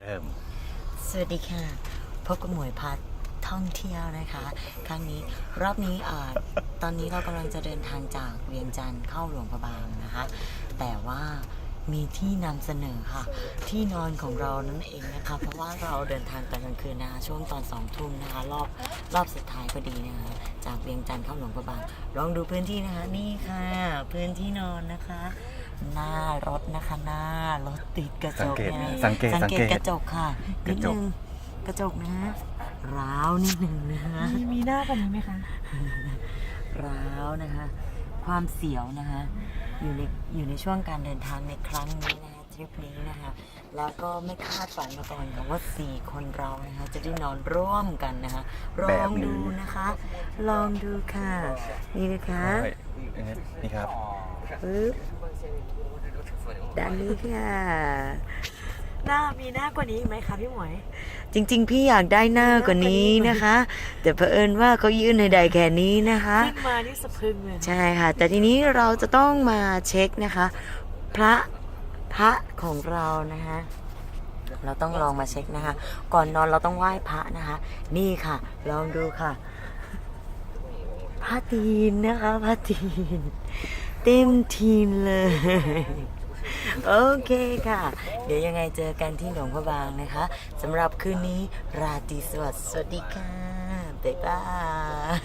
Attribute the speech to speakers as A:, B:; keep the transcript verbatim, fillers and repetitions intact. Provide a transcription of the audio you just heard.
A: เริ่ม
B: สวัสดีค่ะพบกับหมวยพัดท่องเที่ยวนะคะ ครั้งนี้รอบนี้อ่าตอนนี้เรากำลังจะเดินทางจากเวียงจันทร์เข้าหลวงพระบางนะคะ แต่ว่ามีที่นำเสนอค่ะ ที่นอนของเรานั่นเองนะคะเพราะว่าเราเดินทางตอนกลางคืนนะคะช่วงตอนสองทุ่มนะคะรอบรอบสุดท้ายพอดีนะคะจากเวียงจันทร์เข้าหลวงพระบางลองดูพื้นที่นะคะนี่ค่ะ พื้นที่นอนนะคะ หน้ารถนะคะหน้ารถติดกระจกนะ
A: สังเกตสังเกต
B: กระจกค่ะ
A: ก
B: นิ
A: ระ
B: ด
A: จ
B: นึ
A: ก
B: งกระจกนะฮะร้าวนิดนึงนะฮะ
C: มีมีหน้ากว่านี้ไหมคะ
B: ร้าวนะคะ ความเสียวนะคะอยู่ในอยู่ในช่วงการเดินทางในครั้งนี้นะคะทริปนี้นะคะแล้วก็ไม่คาดฝันมาก่อนค่ะว่าสี่คนเรานะคะจะได้นอนร่วมกันนะคะลองดูนะคะ ลองดูค่ะ นี่นะคะ
A: เฮ้ยนี่ครับ
B: ปึ๊บด้านนี้ค่ะ
C: หน้ามีหน้ากว่านี้อีกไหมคะพี่หมวย
B: จริงๆ พี่อยากได้หน้ากว่านี้นะคะ แต่เผอิญว่าเขายื่นให้ได้แค่นี้นะคะ
C: ขึ้นมานี่สะพรึงเลย
B: ใช่ค่ะ แต่ทีนี้เราจะต้องมาเช็คนะคะ พระพระของเรานะคะ เราต้องลองมาเช็คนะคะ ก่อนนอนเราต้องไหว้พระนะคะ นี่ค่ะ ลองดูค่ะ พระตีนนะคะพระตีน เต็มทีมเลย โอเคค่ะ เดี๋ยวยังไงเจอกันที่หลวงพระบางนะคะสำหรับคืนนี้ราตรีสวัสดิ์สวัสดีค่ะ บ๊ายบาย